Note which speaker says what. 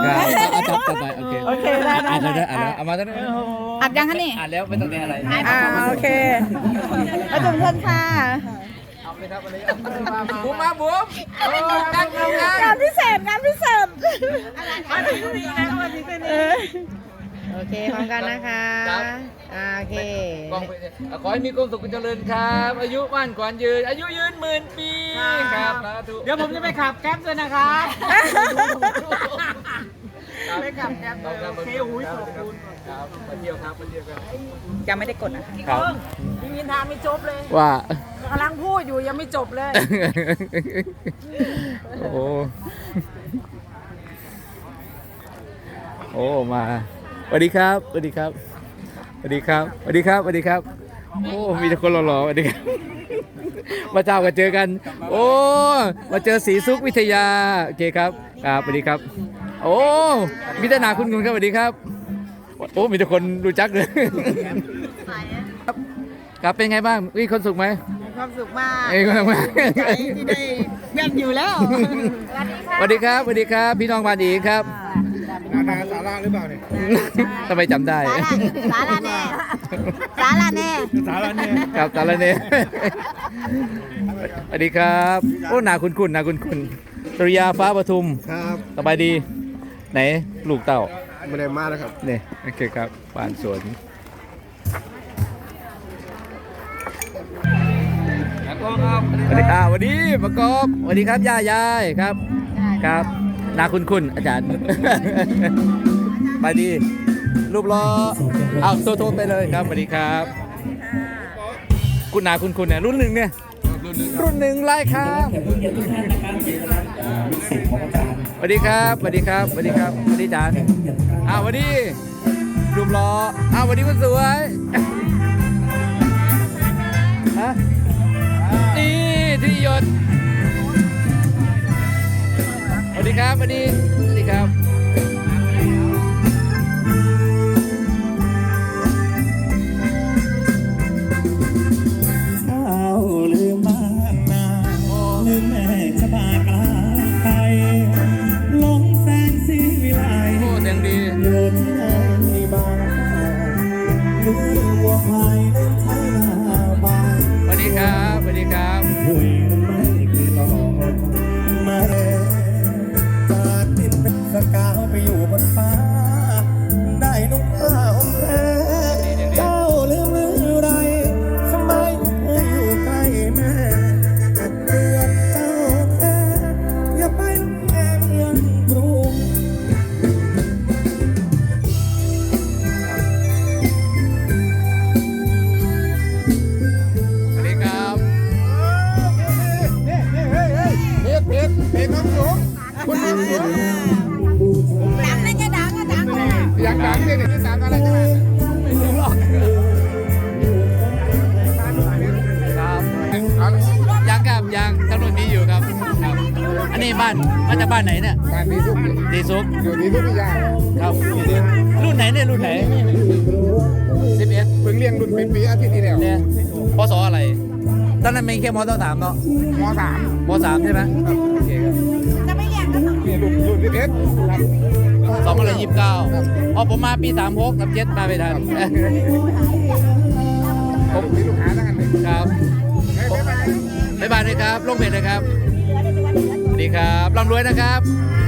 Speaker 1: ครับเอาจับไปโอเค
Speaker 2: โอเคได้
Speaker 1: อ่านแล้วเอามาตั้งแต่
Speaker 3: อัดยังคะนี่
Speaker 1: อ่านแล้วไม่ต้องอะไร
Speaker 2: โอเคมาถึงคนค่ะ
Speaker 1: เอาเลยครับบุ๋มมาบุ๋มตั้งงาน
Speaker 2: งานพิเศษงานพิเศษ
Speaker 3: โอเคพร้อมกันนะคะโอเค
Speaker 1: กองไปขอให้มีความสุขเจริญครับ อายุมั่นขวัญยืนอายุยืนหมื่นปีครับเดี๋ยวผมจะไปขับแก๊ปเลยนะครับไปขับแก๊ปโอเคอุ้ยขอบคุณครับมาเที่ยวครับมาเที่ยวกัน
Speaker 2: ยังไม่ได้กดนะ
Speaker 1: ครับ
Speaker 2: พี่มินทาไม่จบเลย
Speaker 1: ว่า
Speaker 2: กำลังพูดอยู่ยังไม่จบเลย
Speaker 1: โอ้มาสวัสดีครับสวัสดีครับสวัสดีครับสวัสดีครับสวัสดีครับโอ้มีแต่คนหล่อๆสวัสดีครับมาเจ้ากันเจอกันโอ้มาเจอศรีสุขวิทยาโอเคครับครับสวัสดีครับโอ้มีแต่หนาคุณครับสวัสดีครับโอ้มีแต่คนรู้จักเลยครับเป็นไงบ้างมีคนสุขไหม
Speaker 2: ความสุขมาก
Speaker 1: เอ้ยมา
Speaker 2: ใจที่ได้เพื่อนอยู่แล้ว
Speaker 1: สวัสดีครับสวัสดีครับพี่น้องบ้านอีกครับ
Speaker 4: นาสาระหรือเปล่าเนี่ย
Speaker 1: ทำไมจำได้
Speaker 3: สาระแน่สาระแน่
Speaker 4: สาระเนี่ย
Speaker 1: ครับสารเนสวัสดีครับโอ้นาคุณนาคุณสุริยาฟ้าปทุม
Speaker 4: ครับ
Speaker 1: สบายดีไหนลูกเต่า
Speaker 4: ไม่ได้มาแล้วครับ
Speaker 1: เนี่ยโอเคครับบ้านสวนสวัสดีครับสวัสดีประกอบสวัสดีครับย่ายายครับครับนาคุณอาจารย์ ไปดีรูปล้อเอาโทรไปเลยครับสวัสดีครับคุณนาคุณเนี่ยรุ่นหนึ่งเนี่ยรุ่นหนึ่งไล่ครับสวัสดีครับสวัสดีครับสวัสดีครับสวัสดีจานสวัสดีรูปล้อสวัสดีคุณสวยฮะนี่ที่หยดสวัสดีครับสวัสดีครับ
Speaker 5: ลืมบ้านนาลืมแม่จะบากลาไปหลงแสงสีวิไล
Speaker 1: โอ้เสียงดี
Speaker 5: อยู่ที่ไหนบ้างลืมวัวควายลืมไทยนาบ้าน
Speaker 1: สวัสดีครับสวัสดีครับ
Speaker 5: คุยไม่เคยหลอกมาเลยจากดินเป็นสกาวไปอยู่บนฟ้าได้นุ่งผ้าห่มแพรเจ้าลืมหรือไรทำไมเคยอยู่ใกล้แม่เดือนเจ้าแท้อย่าไปลำแย่เมืองกรุง
Speaker 1: สวัสดีครับ
Speaker 4: เพจน้องสูงคุณน้องสูง
Speaker 3: ดังนะจะดังก็ดังนะ
Speaker 4: อยากดังเนี่ยจะดังอะไรกันล่ะ
Speaker 1: ครับยังครับยังถนนมีอยู่ครับครับ อันนี้บ้านมาจากบ้านไหนเนี่ย
Speaker 4: การมีทุก
Speaker 1: ดีซุก
Speaker 4: อยู่ที่ทุกอย่าง
Speaker 1: ครับรุ่นไหนเนี่ยรุ่นไหน11
Speaker 4: เพิ่งเลี้ยงรุ่นปีอาทิตย์ที่แล้ว
Speaker 1: เนี่ยพศอะไรตอนนั้นเป็นแค่มต้น3เนาะ
Speaker 4: มสาม
Speaker 1: ม3ใช่ไหมโอเคครับ
Speaker 3: จะไม่แย่งกันหรอก
Speaker 4: นี่รุ่น11ครับ
Speaker 1: 2029อ๋อผมมาปี36 37มาไม่ทัน
Speaker 4: ผมมีลูกค้าทั้งนั้นเลย
Speaker 1: ครับ
Speaker 4: บ๊ายบาย
Speaker 1: บ๊ายบายนะครับลงเพจนะครับสวัสดีครับร่ำรวยนะครับ